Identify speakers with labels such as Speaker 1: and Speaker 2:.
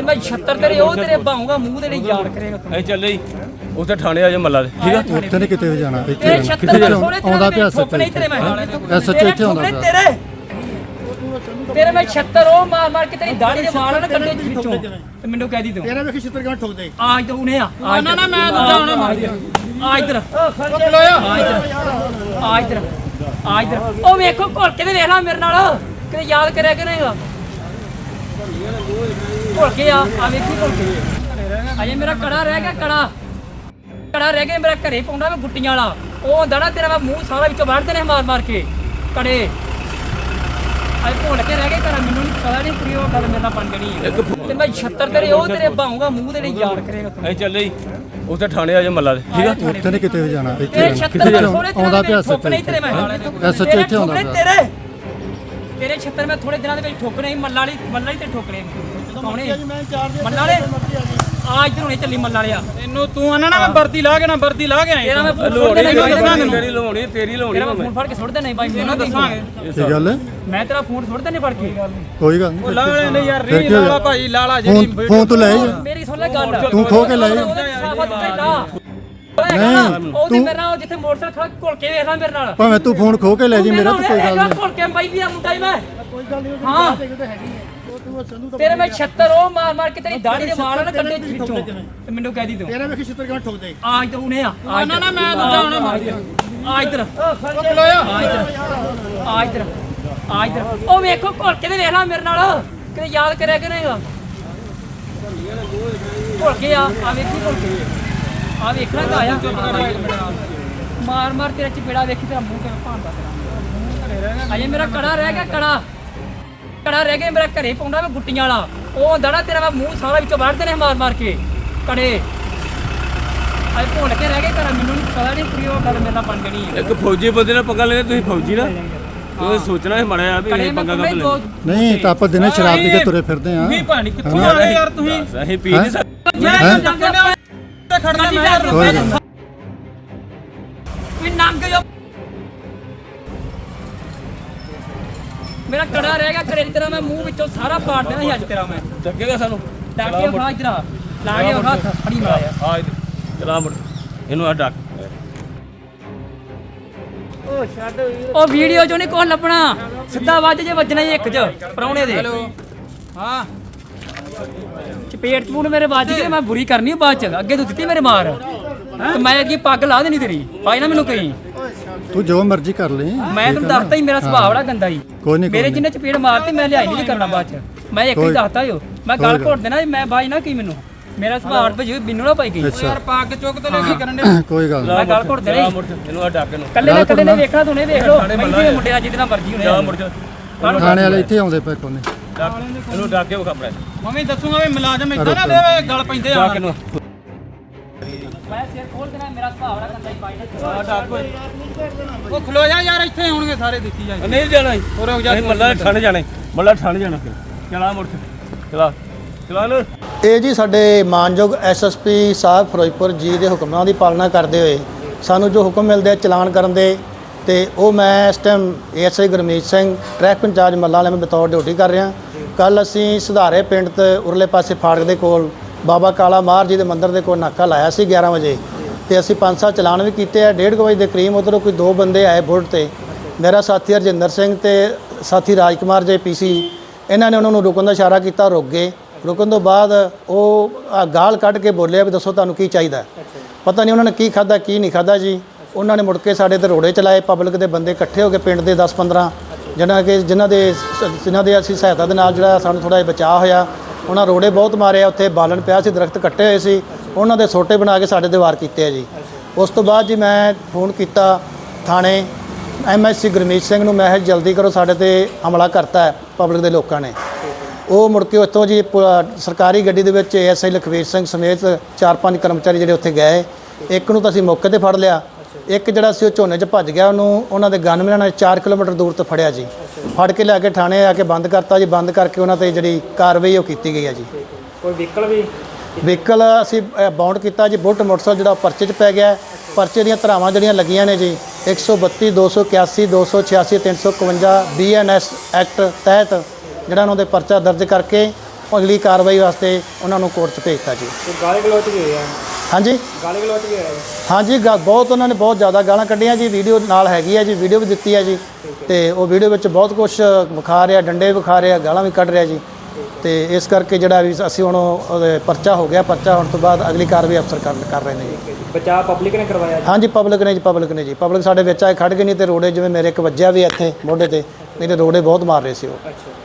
Speaker 1: ਤੇ ਮੈਂ 76 ਤੇਰੇ ਉਹ ਤੇਰੇ ਬਾਹੂਗਾ ਮੂੰਹ ਤੇ ਨਹੀਂ ਯਾਦ ਕਰੇਗਾ ਤੂੰ।
Speaker 2: ਅਸੀਂ ਚੱਲੇ ਜੀ ਉੱਥੇ ਥਾਣੇ ਆ ਜਾ ਮੱਲਾ ਦੇ ਠੀਕ ਆ।
Speaker 3: ਉੱਥੇ ਨਹੀਂ ਕਿਤੇ ਵੀ ਜਾਣਾ, ਇੱਥੇ
Speaker 1: ਤੇਰੇ 76
Speaker 3: ਆਉਂਦਾ ਪਿਆ
Speaker 1: ਠੋਕ ਨਹੀਂ ਤੇਰੇ ਮੈਂ
Speaker 3: SHO ਇੱਥੇ ਆਉਂਦਾ ਪਿਆ।
Speaker 1: ਤੇਰੇ ਮੈਂ 76 ਉਹ ਮਾਰ ਮਾਰ ਕੇ ਤੇਰੀ ਦਾੜੀ ਦੇ ਵਾਲ ਨਾ ਕੱਢੇ ਵਿੱਚੋਂ ਤੇ ਮੈਨੂੰ ਕਹਿ ਦੀ ਤੂੰ
Speaker 4: ਤੇਰੇ ਵੇਖੀ ਛਿੱਤਰ ਕਿਵੇਂ ਠੋਕ ਦੇ।
Speaker 1: ਆ ਇੱਧਰ ਉਹਨੇ ਆ ਨਾ ਨਾ ਮੈਂ ਦੂਜਾ ਉਹਨੇ ਮਾਰ ਦਿਆ। ਆ ਇੱਧਰ ਆ ਇੱਧਰ ਉਹ ਵੇਖੋ ਘੁਲ ਕੇ ਤੇ ਵੇਖ ਲੈ ਮੇਰੇ ਨਾਲ ਕਿਤੇ ਯਾਦ ਕਰਿਆ ਕਿ ਨਹੀਂਗਾ ਘੁਲ ਕੇ ਆ ਵੇਖੀ ਘੁਲ ਕੇ ਅਜੇ ਮੇਰਾ ਕੜਾ ਰਹਿ ਗਿਆ ਕੜਾ ਰਹਿ ਗਿਆ ਮੇਰਾ ਘਰੇ ਪਾਉਂਦਾ ਮੈਂ ਗੁੱਟੀਆਂ ਵਾਲਾ ਉਹ ਹੁੰਦਾ ਨਾ ਤੇਰਾ ਮੈਂ ਮੂੰਹ ਸਾਰਾ ਵਿੱਚੋਂ ਵੱਢਦੇ ਨੇ ਮਾਰ ਮਾਰ ਕੇ ਕੜੇ ਅਜੇ ਭੁੱਲ ਕੇ ਰਹਿ ਗਏ ਘਰ ਮੈਨੂੰ ਨਹੀਂ ਪਤਾ ਨਹੀਂ ਕੁੜੀ ਉਹ ਗੱਲ ਮੇਰੇ ਨਾਲ ਬਣ ਜਣੀ ਹੈ ਤੇ ਮੈਂ 76 ਤੇਰੇ ਉਹ ਤੇਰੇ ਬਾਹੂਗਾ ਮੂੰਹ ਤੇ ਨਹੀਂ ਯਾਦ ਕਰੇਗਾ ਤੂੰ।
Speaker 2: ਅਸੀਂ ਚੱਲੇ ਜੀ ਉੱਥੇ ਥਾਣੇ ਆ ਜਾ ਮੱਲਾ ਦੇ ਠੀਕ ਆ।
Speaker 3: ਉੱਥੇ ਨਹੀਂ ਕਿਤੇ ਵੀ ਜਾਣਾ, ਇੱਥੇ
Speaker 1: ਤੇਰੇ 76
Speaker 3: ਆਉਂਦਾ ਪਿਆ
Speaker 1: ਠੋਕਣੇ ਤੇਰੇ ਮੈਂ
Speaker 3: SHO ਇੱਥੇ ਆਉਂਦਾ ਪਿਆ।
Speaker 1: ਤੇਰੇ 76 ਮੈਂ ਥੋੜੇ ਦਿਨਾਂ ਦੇ ਵਿੱਚ ਠੋਕਣੇ ਮੱਲਾ ਵਾਲੀ ਤੇ ਠੋਕਣੇ ਕੌਣੇ ਮੱਲਾ ਵਾਲੇ ਆ ਇੱਧਰ ਹੁਣੇ ਚੱਲੀ ਮੱਲਾ ਵਾਲਿਆ
Speaker 4: ਤੈਨੂੰ ਤੂੰ ਆਣਾ ਨਾ ਮੈਂ ਵਰਦੀ ਲਾ ਕੇ ਨਾ ਵਰਦੀ ਲਾ ਕੇ ਆਇਆ
Speaker 1: ਤੇਰਾ ਮੈਂ
Speaker 2: ਲੋੜੀ ਤੇਰੀ ਲਵਾਉਣੀ ਤੇਰੀ ਲਵਾਉਣੀ
Speaker 1: ਤੇਰਾ ਮੈਂ ਫੋਨ ਫੜ ਕੇ ਸੁੱਟ ਦੇਣਾ ਬਾਈ ਮੈਨੂੰ ਦੱਸਾਂਗੇ
Speaker 3: ਕੀ ਗੱਲ ਹੈ?
Speaker 1: ਮੈਂ ਤੇਰਾ ਫੋਨ ਸੁੱਟ ਦੇਣੇ ਫੜ ਕੇ
Speaker 3: ਕੋਈ ਗੱਲ ਨਹੀਂ।
Speaker 4: ਲਾ ਲੈ ਯਾਰ ਰੀ ਲਾਲਾ ਭਾਈ ਲਾਲਾ ਜਿਹੜੀ
Speaker 3: ਫੋਨ ਤੂੰ ਲੈ ਜਾ।
Speaker 1: ਮੇਰੀ ਸੁਣ ਲੈ ਗੱਲ
Speaker 3: ਤੂੰ ਖੋ ਕੇ ਲੈ ਜਾ।
Speaker 1: ਉਹਦੀ ਮੇਰੇ ਨਾਲ ਜਿੱਥੇ ਮੋਟਰਸਾਈਕਲ ਖੜਾ ਘੁਲ ਕੇ ਵੇਖ ਲੈ ਮੇਰੇ ਨਾਲ
Speaker 3: ਭਾਵੇਂ ਤੂੰ ਫੋਨ ਖੋ ਕੇ ਲੈ ਜੀ ਮੇਰਾ ਤਾਂ ਕੋਈ ਗੱਲ ਨਹੀਂ।
Speaker 1: ਘੁਲ ਕੇ ਬਾਈ ਵੀ ਆ ਮੁੰਡਾ ਹੀ ਮੈਂ ਹਾਂ ਤੇਰੇ ਮੈਂ 76 ਉਹ ਮਾਰ ਮਾਰ ਕੇ ਤੇਰੀ ਦਾੜੀ ਦੇ ਵਾਲ ਨਾ ਕੱਢੇ ਵਿੱਚੋਂ ਤੇ ਮੈਨੂੰ ਕਹਿ ਦੀ ਤੂੰ
Speaker 4: ਤੇਰੇ ਵੇਖੀ ਛਿੱਤਰ ਕਿਵੇਂ ਠੋਕ ਦੇ।
Speaker 1: ਆ ਇੱਧਰ ਉਹਨੇ ਆ ਨਾ ਨਾ ਮੈਂ ਦੂਜਾ ਉਹਨੇ ਮਾਰ ਦਿਆ। ਆ ਇੱਧਰ ਆ ਇੱਧਰ ਉਹ ਵੇਖੋ ਘੁਲ ਕੇ ਤੇ ਵੇਖ ਲੈ ਮੇਰੇ ਨਾਲ ਕਿਤੇ ਯਾਦ ਕਰਿਆ ਕਿ ਨਹੀਂਗਾ ਘੁਲ ਕੇ ਆ ਵੇਖੀ ਘੁਲ ਕੇ ਆ ਵੇਖਣਾ ਤਾਂ ਆਇਆ ਮਾਰ ਮਾਰ ਤੇਰਾ ਚਪੇੜਾ ਵੇਖੀ ਤੇਰਾ ਮੂੰਹ ਕਿਵੇਂ ਭਾਂਦਾ ਤੇਰਾ ਅਜੇ ਮੇਰਾ ਕੜਾ ਰਹਿ ਗਿਆ ਕੜਾ ਰਹਿ ਗਿਆ ਮੇਰਾ ਘਰੇ ਪਾਉਂਦਾ ਮੈਂ ਗੁੱਟੀਆਂ ਵਾਲਾ ਉਹ ਹੁੰਦਾ ਨਾ ਤੇਰਾ ਮੈਂ ਮੂੰਹ ਸਾਰਾ ਵਿੱਚੋਂ ਵੱਢਦੇ ਨੇ ਮਾਰ ਮਾਰ ਕੇ ਕੜੇ ਅਜੇ ਭੁੱਲ ਕੇ ਰਹਿ ਗਏ ਘਰ ਮੈਨੂੰ ਨਹੀਂ ਪਤਾ ਨਹੀਂ ਕੁੜੀ ਉਹ ਗੱਲ ਮੇਰੇ ਨਾਲ ਬਣ ਜਣੀ ਹੈ
Speaker 2: ਇੱਕ ਫੌਜੀ ਬੰਦੇ ਨਾਲ ਪੰਗਾ ਲੈਣਾ ਤੁਸੀਂ ਫੌਜੀ ਨਾ ਤੁਸੀਂ ਸੋਚਣਾ ਹੈ ਮੜਿਆ ਵੀ ਇਹ ਪੰਗਾ ਕਦ ਲੈ
Speaker 3: ਨਹੀਂ ਤਾਂ ਆਪਾਂ ਦਿਨੇ ਸ਼ਰਾਬ ਪੀ ਕੇ ਤੁਰੇ ਫਿਰਦੇ ਆ।
Speaker 4: ਤੁਸੀਂ ਭਾਣੀ ਕਿੱਥੋਂ ਆ ਗਏ ਯਾਰ ਤੁਸੀਂ
Speaker 2: ਅਸੀਂ ਪੀ ਨਹੀਂ ਸਕਦੇ
Speaker 4: ਤੇ ਖੜਨਾ ਮੈਂ
Speaker 3: ਕੋਈ ਗੱਲ ਨਹੀਂ।
Speaker 1: ਵੀ ਨੰਗ ਜੋ ਮੇਰਾ ਕੜਾ ਰਹਿ ਗਿਆ ਘਰੇ ਦੀ ਤਰ੍ਹਾਂ ਮੈਂ ਮੂੰਹ ਵਿੱਚੋਂ ਸਾਰਾ ਪਾੜ ਦੇਣਾ ਸੀ ਅੱਜ ਤੇਰਾ ਮੈਂ
Speaker 2: ਚੱਕੇਗਾ ਸਾਨੂੰ
Speaker 1: ਡਾਕੇ ਖਾ ਇਧਰ ਲਾ ਕੇ ਹੱਥ ਫੜੀ ਮਾਰਿਆ
Speaker 2: ਆ ਚਲਾ ਮੁੜ ਇਹਨੂੰ ਆ ਡੱਕ
Speaker 1: ਉਹ ਵੀਡੀਓ ਚੋਂ ਨਹੀਂ ਕੋਲ ਲੱਭਣਾ ਸਿੱਧਾ ਵੱਜ ਜੇ ਵੱਜਣਾ ਹੀ ਇੱਕ ਚ ਪਰੌਣੇ ਦੇ
Speaker 4: ਹਾਂ
Speaker 1: ਚਪੇਟ ਚਪੂਨ ਮੇਰੇ ਵੱਜ ਗਈ ਮੈਂ ਬੁਰੀ ਕਰਨੀ ਬਾਅਦ ਚ ਅੱਗੇ ਤੂੰ ਦਿੱਤੀ ਮੇਰੇ ਮਾਰ ਤੇ ਮੈਂ ਅੱਗੇ ਪੱਗ ਲਾ ਦੇਣੀ ਤੇਰੀ ਪਾਈ ਨਾ ਮੈਨੂੰ ਕਹੀਂ
Speaker 3: ਤੂੰ ਜੋ ਮਰਜ਼ੀ ਕਰ ਲੈ।
Speaker 1: ਮੈਂ ਤੈਨੂੰ ਦੱਸਤਾ ਹੀ ਮੇਰਾ ਸੁਭਾਅ ਬੜਾ ਗੰਦਾ ਹੀ
Speaker 3: ਕੋਈ ਨਹੀਂ
Speaker 1: ਮੇਰੇ ਜਿੰਨੇ ਚਪੇੜ ਮਾਰਤੀ ਮੈਂ ਲਿਆਈ ਨਹੀਂ ਕਰਨਾ ਬਾਅਦ ਚ ਮੈਂ ਇੱਕ ਹੀ ਦੱਸਤਾ ਜੋ ਮੈਂ ਗੱਲ ਘੋਟ ਦੇਣਾ ਮੈਂ ਬਾਜ ਨਾ ਕੀ ਮੈਨੂੰ ਮੇਰਾ ਸੁਭਾਅ ਭਜੀ ਮੈਨੂੰ ਨਾ ਪਾਈ ਗਈ
Speaker 4: ਯਾਰ ਪੱਗ ਚੁੱਕ ਤੇ ਲੈ ਕੇ ਕਰਨ ਦੇ
Speaker 3: ਕੋਈ ਗੱਲ ਨਹੀਂ।
Speaker 1: ਮੈਂ ਗੱਲ ਘੋਟ ਦੇਣਾ
Speaker 2: ਮੁੜ ਇਹਨੂੰ ਆ ਡੱਕ ਇਹਨੂੰ
Speaker 1: ਕੱਲੇ ਨਾ ਕੱਲੇ ਨੇ ਵੇਖਣਾ ਤੂੰ ਨੇ ਵੇਖ ਲੋ ਮੁੰਡੇ ਨਾਲ ਜਿਹਦੇ ਨਾਲ ਮਰਜੀ
Speaker 2: ਜਾ
Speaker 1: ਹੋਣੇ
Speaker 2: ਮੁੜ ਜਾ
Speaker 3: ਥਾਣੇ ਵਾਲੇ ਇੱਥੇ ਆਉਂਦੇ ਪਏ ਕੋਨੇ।
Speaker 2: ਇਹਨੂੰ ਡੱਕ ਕੇ ਵਿਖਾ ਪੜਾ
Speaker 4: ਮੰਮੀ ਦੱਸੂਗਾ ਵੀ ਮੁਲਾਜ਼ਮ ਇਦਾਂ ਨਾ ਦੇ ਗੱਲ ਪੈਂਦੇ ਆ
Speaker 2: ਡੱਕ ਇਹਨੂੰ
Speaker 1: ਮੈਂ ਸਿਰ ਖੋਲ ਦੇਣਾ ਮੇਰਾ ਸੁਭਾਅ ਬੜਾ ਗੰਦਾ ਹੀ ਪਾਈ ਨਾ
Speaker 2: ਆ ਡੱਕ ਓਏ
Speaker 4: ਉਹ ਖਲੋ ਜਾ ਯਾਰ ਇੱਥੇ ਹੋਣਗੇ ਸਾਰੇ ਦੇਖੀ ਜਾ
Speaker 2: ਨਹੀਂ ਜਾਣਾ
Speaker 4: ਹੋਰ ਹੋ ਜਾ
Speaker 2: ਅਸੀਂ ਮੱਲਾ ਠੰਡ ਜਾਣਾ ਮੱਲਾ ਠੰਡ ਜਾਣਾ ਚਲਾ ਮੁੜ ਚਲਾ ਚਲਾ ਨੂੰ
Speaker 5: ਇਹ ਜੀ ਸਾਡੇ ਮਾਨਯੋਗ ਐਸਐਸਪੀ ਸਾਹਿਬ ਫਿਰੋਜ਼ਪੁਰ ਜੀ ਦੇ ਹੁਕਮਾਂ ਦੀ ਪਾਲਣਾ ਕਰਦੇ ਹੋਏ ਸਾਨੂੰ ਜੋ ਹੁਕਮ ਮਿਲਦੇ ਆ ਚਲਾਨ ਕਰਨ ਦੇ ਤੇ ਉਹ ਮੈਂ ਇਸ time ASI Gurmeet Singh traffic incharge ਮੱਲਾ ਵਾਲੇ ਮੈਂ ਬਤੌਰ ਡਿਊਟੀ ਕਰ ਰਿਹਾ। ਕੱਲ ਅਸੀਂ ਸੁਧਾਰੇ ਪਿੰਡ ਤੇ ਉਰਲੇ ਪਾਸੇ ਫਾੜਕ ਦੇ ਕੋਲ ਬਾਬਾ ਕਾਲਾ ਮਾਰ ਜੀ ਦੇ ਮੰਦਿਰ ਦੇ ਕੋਲ ਨਾਕਾ ਲਾਇਆ ਸੀ 11 ਵਜੇ ਤੇ ਅਸੀਂ 5-7 ਚਲਾਨ ਵੀ ਕੀਤੇ ਆ। 1:30 ਵਜੇ ਦੇ ਕਰੀਬ ਉੱਧਰੋਂ ਕੋਈ 2 ਬੰਦੇ ਆਏ ਬੁਲਟ ਤੇ ਮੇਰਾ ਸਾਥੀ ਹਰਜਿੰਦਰ ਸਿੰਘ ਤੇ ਸਾਥੀ ਰਾਜਕੁਮਾਰ ਜੇ ਪੀਸੀ ਇਹਨਾਂ ਨੇ ਉਹਨਾਂ ਨੂੰ ਰੁਕਣ ਦਾ ਇਸ਼ਾਰਾ ਕੀਤਾ, ਰੁਕ ਗਏ। ਰੁਕਣ ਤੋਂ ਬਾਅਦ ਉਹ ਗਾਲ ਕੱਢ ਕੇ ਬੋਲਿਆ ਵੀ ਦੱਸੋ ਤੁਹਾਨੂੰ ਕੀ ਚਾਹੀਦਾ। ਪਤਾ ਨਹੀਂ ਉਹਨਾਂ ਨੇ ਕੀ ਖਾਦਾ ਕੀ ਨਹੀਂ ਖਾਦਾ ਜੀ। ਉਹਨਾਂ ਨੇ ਮੁੜ ਕੇ ਸਾਡੇ ਤੇ ਰੋੜੇ ਚਲਾਏ। ਪਬਲਿਕ ਦੇ ਬੰਦੇ ਇਕੱਠੇ ਹੋ ਕੇ ਪਿੰਡ ਦੇ 10-15 ਜਿਨ੍ਹਾਂ ਦੇ ਅਸੀਂ ਸਹਾਇਤਾ ਦੇ ਨਾਲ ਜਿਹੜਾ ਸਾਨੂੰ ਥੋੜ੍ਹਾ ਜਿਹਾ ਬਚਾਅ ਹੋਇਆ। ਉਹਨਾਂ ਰੋੜੇ ਬਹੁਤ ਮਾਰੇ। ਉੱਥੇ ਬਾਲਣ ਪਿਆ ਸੀ, ਦਰਖਤ ਕੱਟੇ ਹੋਏ ਸੀ, ਉਹਨਾਂ ਦੇ ਸੋਟੇ ਬਣਾ ਕੇ ਸਾਡੇ 'ਤੇ ਵਾਰ ਕੀਤੇ ਆ ਜੀ। ਉਸ ਤੋਂ ਬਾਅਦ ਜੀ ਮੈਂ ਫੋਨ ਕੀਤਾ ਥਾਣੇ ਐਮਐਸਸੀ ਗੁਰਮੀਤ ਸਿੰਘ ਨੂੰ, ਮੈਂ ਕਿਹਾ ਜਲਦੀ ਕਰੋ ਸਾਡੇ 'ਤੇ ਹਮਲਾ ਕਰਤਾ ਹੈ ਪਬਲਿਕ ਦੇ ਲੋਕਾਂ ਨੇ। ਉਹ ਮੁੜ ਕੇ ਉੱਥੋਂ ਜੀ ਸਰਕਾਰੀ ਗੱਡੀ ਦੇ ਵਿੱਚ ਏਐਸਆਈ ਲਖਵੀਰ ਸਿੰਘ ਸਮੇਤ 4-5 ਕਰਮਚਾਰੀ ਜਿਹੜੇ ਉੱਥੇ ਗਏ। ਇੱਕ ਨੂੰ ਤਾਂ ਅਸੀਂ ਮੌਕੇ 'ਤੇ ਫੜ ਲਿਆ, ਇੱਕ ਜਿਹੜਾ ਸੀ ਉਹ ਝੋਨੇ 'ਚ ਭੱਜ ਗਿਆ। ਉਹਨੂੰ ਉਹਨਾਂ ਦੇ ਗਨਮੈਨਾਂ ਨੇ 4 ਕਿਲੋਮੀਟਰ ਦੂਰ ਤੋਂ ਫੜਿਆ ਜੀ। ਫੜ ਕੇ ਲਿਆ ਕੇ ਥਾਣੇ ਆ ਕੇ ਬੰਦ ਕਰਤਾ ਜੀ। ਬੰਦ ਕਰਕੇ ਉਹਨਾਂ 'ਤੇ ਜਿਹੜੀ ਕਾਰਵਾਈ ਉਹ ਕੀਤੀ ਗਈ ਹੈ ਜੀ।
Speaker 1: ਕੋਈ
Speaker 5: ਵਹੀਕਲ ਅਸੀਂ ਬਾਉਂਡ ਕੀਤਾ ਜੀ। ਬੁਲਟ ਮੋਟਰਸਾਈਕਲ ਜਿਹੜਾ ਪਰਚੇ 'ਚ ਪੈ ਗਿਆ। ਪਰਚੇ ਦੀਆਂ ਧਾਰਾਵਾਂ ਜਿਹੜੀਆਂ ਲੱਗੀਆਂ ਨੇ ਜੀ 132, 281, 286, 351 BNS ਐਕਟ ਤਹਿਤ ਜਿਹੜਾ ਉਹਨਾਂ ਦੇ ਪਰਚਾ ਦਰਜ ਕਰਕੇ ਅਗਲੀ ਕਾਰਵਾਈ ਵਾਸਤੇ ਉਹਨਾਂ ਨੂੰ ਕੋਰਟ 'ਚ ਭੇਜਤਾ ਜੀ।
Speaker 6: ਗਾਲੀ ਗਲੋਚ ਵੀ ਹੋਇਆ
Speaker 5: ਹਾਂਜੀ
Speaker 6: ਗਾਲੀ ਗਲੋਚ ਵੀ ਹੋਇਆ
Speaker 5: ਹਾਂਜੀ ਬਹੁਤ ਉਹਨਾਂ ਨੇ ਬਹੁਤ ਜ਼ਿਆਦਾ ਗਾਲਾਂ ਕੱਢੀਆਂ ਜੀ। ਵੀਡੀਓ ਨਾਲ ਹੈਗੀ ਹੈ ਜੀ, ਵੀਡੀਓ ਵੀ ਦਿੱਤੀ ਹੈ ਜੀ। ਤੇ ਉਹ ਵੀਡੀਓ ਵਿੱਚ ਬਹੁਤ ਕੁਝ ਵਿਖਾ ਰਿਹਾ, ਡੰਡੇ ਵਿਖਾ ਰਿਹਾ, ਗਾਲਾਂ ਵੀ ਕੱਢ ਰਿਹਾ ਜੀ। ਤੇ ਇਸ ਕਰਕੇ ਜਿਹੜਾ ਵੀ ਅਸੀਂ ਹੁਣ ਉਹਦੇ ਪਰਚਾ ਹੋ ਗਿਆ, ਪਰਚਾ ਹੋਣ ਤੋਂ ਬਾਅਦ ਅਗਲੀ ਕਾਰਵਾਈ ਅਫਸਰ ਕਰ ਰਹੇ ਨੇ ਜੀ।
Speaker 6: ਬਚਾਅ ਪਬਲਿਕ ਨੇ ਕਰਵਾਇਆ ਜੀ?
Speaker 5: ਹਾਂਜੀ ਪਬਲਿਕ ਨੇ ਜੀ। ਪਬਲਿਕ ਸਾਡੇ ਵਿੱਚ ਆਏ ਖੜ ਗਏ, ਨਹੀਂ ਤੇ ਰੋੜੇ ਜਿਵੇਂ ਮੇਰੇ ਇੱਕ ਵੱਜਿਆ ਵੀ ਇੱਥੇ ਮੋਢੇ ਤੇ, ਨਹੀਂ ਤੇ ਰੋੜੇ ਬਹੁਤ ਮਾਰ ਰਹੇ ਸੀ ਉਹ।
Speaker 6: ਅੱਛਾ